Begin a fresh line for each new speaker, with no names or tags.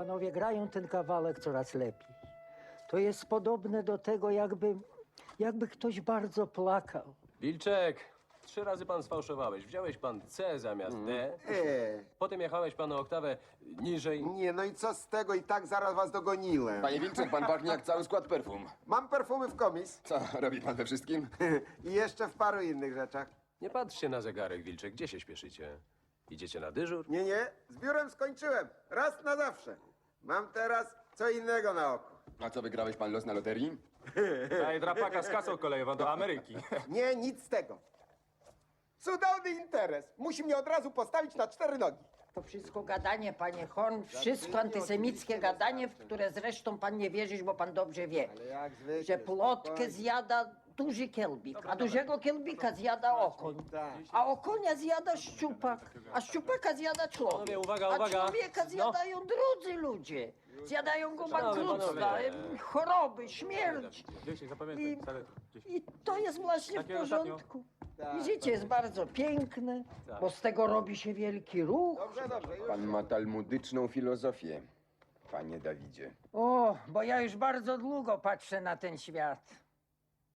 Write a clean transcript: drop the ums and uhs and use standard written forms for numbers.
panowie grają ten kawałek coraz lepiej. To jest podobne do tego, jakby ktoś bardzo plakał.
Wilczek, 3 razy pan sfałszowałeś. Wziąłeś pan C zamiast D. Potem jechałeś pan o oktawę niżej.
Nie, no i co z tego? I tak zaraz was dogoniłem.
Panie Wilczek, pan pachnie jak cały skład perfum.
Mam perfumy w komis
Co, robi pan we wszystkim?
i jeszcze w paru innych rzeczach.
Nie patrzcie na zegarek, Wilczek. Gdzie się śpieszycie? Idziecie na dyżur?
Nie, z biurem skończyłem. Raz na zawsze. Mam teraz co innego na oku.
A co, wygrałeś pan los na loterii?
Daj drapaka z kasą kolejową do Ameryki.
Nie, nic z tego. Cudowny interes. Musi mnie od razu postawić na 4 nogi.
To wszystko gadanie, panie Horn, wszystko antysemickie gadanie, w które zresztą pan nie wierzysz, bo pan dobrze wie,
Jak zwykle,
że plotkę zjada duży kielbik, a dużego kielbika zjada okoń, a okonia zjada szczupak, a szczupaka zjada człowiek,
Panowie, uwaga,
a
uwaga.
człowieka zjadają drudzy ludzie. Zjadają go bankructwa,
panowie.
choroby, śmierć.
10, zapamiętaj. stary, 10.
I to jest właśnie w
Takie ostatnio.
porządku. I życie jest bardzo piękne, bo z tego robi się wielki ruch.
Dobrze, już.
Pan ma talmudyczną filozofię, panie Dawidzie.
O, bo ja już bardzo długo patrzę na ten świat.